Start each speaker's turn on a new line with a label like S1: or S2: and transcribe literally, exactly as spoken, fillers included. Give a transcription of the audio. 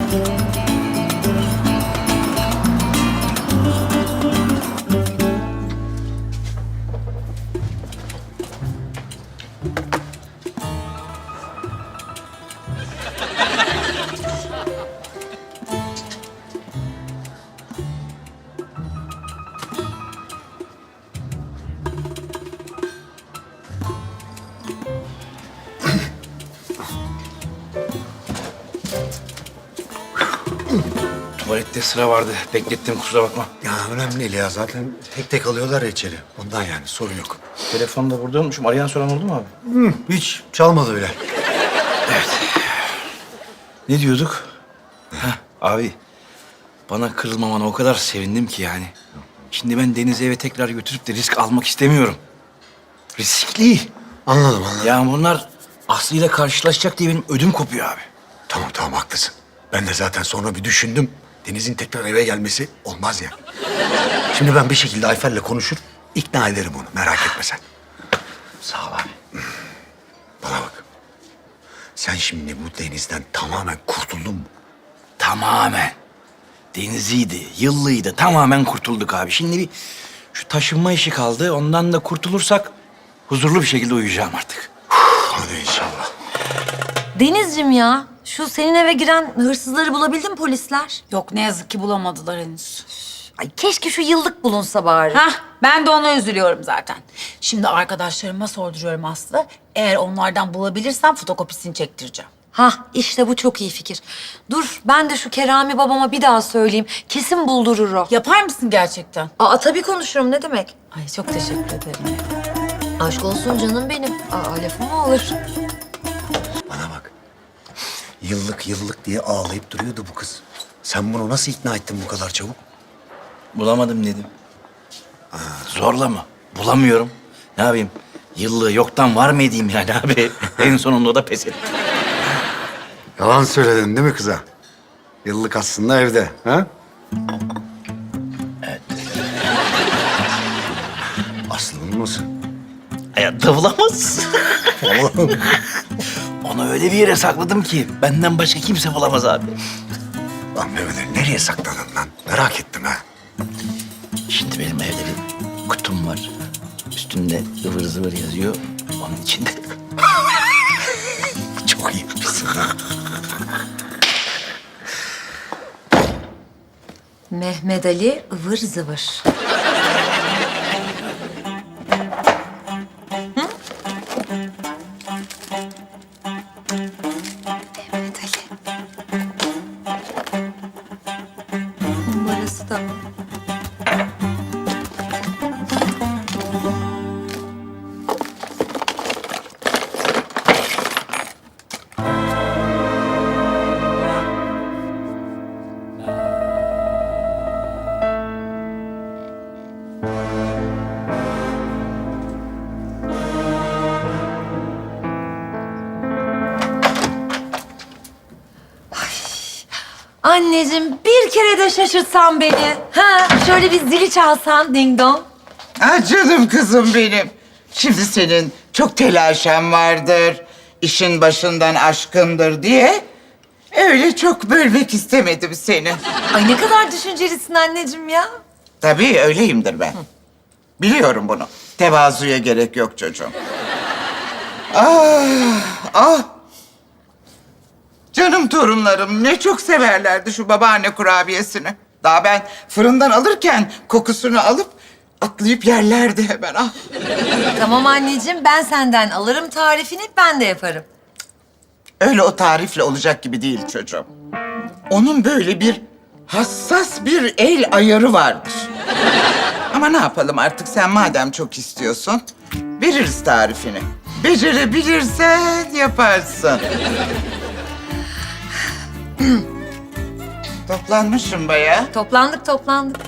S1: Tuvalette sıra vardı. Beklettim, kusura bakma.
S2: Ya önemli değil ya. Zaten tek tek alıyorlar ya içeri. Ondan yani sorun yok.
S1: Telefonu da burada unutmuşum. Arayan soran oldu mu abi?
S2: Hı, hiç çalmadı bile.
S1: Evet. Ne diyorduk? Heh, abi, bana kırılmamana o kadar sevindim ki yani. Şimdi ben Deniz'i eve tekrar götürüp de risk almak istemiyorum. Riskli.
S2: Anladım anladım.
S1: Ya bunlar Aslı'yla karşılaşacak diye benim ödüm kopuyor abi.
S2: Tamam tamam haklısın. Ben de zaten sonra bir düşündüm. Deniz'in tekrar eve gelmesi olmaz ya. Şimdi ben bir şekilde Ayfer'le konuşur, ikna ederim onu. Merak etme sen.
S1: Sağ ol abi.
S2: Bana bak. Sen şimdi bu Deniz'den tamamen kurtuldun mu?
S1: Tamamen. Deniziydi, yıllıydı. Tamamen kurtulduk abi. Şimdi bir şu taşınma işi kaldı. Ondan da kurtulursak huzurlu bir şekilde uyuyacağım artık.
S2: Hadi inşallah.
S3: Denizciğim ya, şu senin eve giren hırsızları bulabildin mi polisler?
S4: Yok ne yazık ki bulamadılar henüz.
S3: Ay keşke şu yıllık bulunsa bari.
S4: Hah ben de ona üzülüyorum zaten. Şimdi arkadaşlarıma sorduruyorum Aslı. Eğer onlardan bulabilirsem fotokopisini çektireceğim.
S3: Hah, işte bu çok iyi fikir. Dur, ben de şu Kerami babama bir daha söyleyeyim. Kesin buldurur o.
S4: Yapar mısın gerçekten?
S3: Aa, tabii konuşurum, ne demek?
S4: Ay çok teşekkür ederim.
S3: Aşk olsun canım benim. Aa, lafım mı olur?
S2: Bana bak. Yıllık yıllık diye ağlayıp duruyordu bu kız. Sen bunu nasıl ikna ettin bu kadar çabuk?
S1: Bulamadım dedim. Zorla mı? Bulamıyorum. Ne yapayım? Yıllığı yoktan var mı edeyim yani abi? En sonunda o da pes etti.
S2: Yalan söyledin değil mi kıza? Yıllık aslında evde, ha?
S1: Evet.
S2: Aslı bulmasın.
S1: Hayatta bulamaz. Onu öyle bir yere sakladım ki benden başka kimse bulamaz abi.
S2: Lan Mehmet'e nereye sakladın lan? Merak ettim ha.
S1: Şimdi benim evde bir kutum var. Üstünde ıvır zıvır yazıyor. Onun içinde.
S2: Çok iyi yapmışsın ha.
S3: Mehmet Ali ıvır zıvır. Mehmet Ali. Numarası da. Anneciğim bir kere de şaşırtsan beni. Ha, şöyle bir zili çalsan ding dong.
S5: Ah canım kızım benim. Şimdi senin çok telaşen vardır. İşin başından aşkındır diye. Öyle çok bölmek istemedim seni.
S3: Ay ne kadar düşüncelisin anneciğim ya.
S5: Tabii öyleyimdir ben. Biliyorum bunu. Tevazuya gerek yok çocuğum. Ah, ah. Canım torunlarım ne çok severlerdi şu babaanne kurabiyesini. Daha ben fırından alırken kokusunu alıp atlayıp yerlerdi hemen. Ah.
S3: Tamam anneciğim, ben senden alırım tarifini, ben de yaparım.
S5: Öyle o tarifle olacak gibi değil çocuğum. Onun böyle bir hassas bir el ayarı vardır. Ama ne yapalım artık sen madem çok istiyorsun, veririz tarifini. Becerebilirsen yaparsın. Toplanmışım bayağı.
S3: Toplandık toplandık.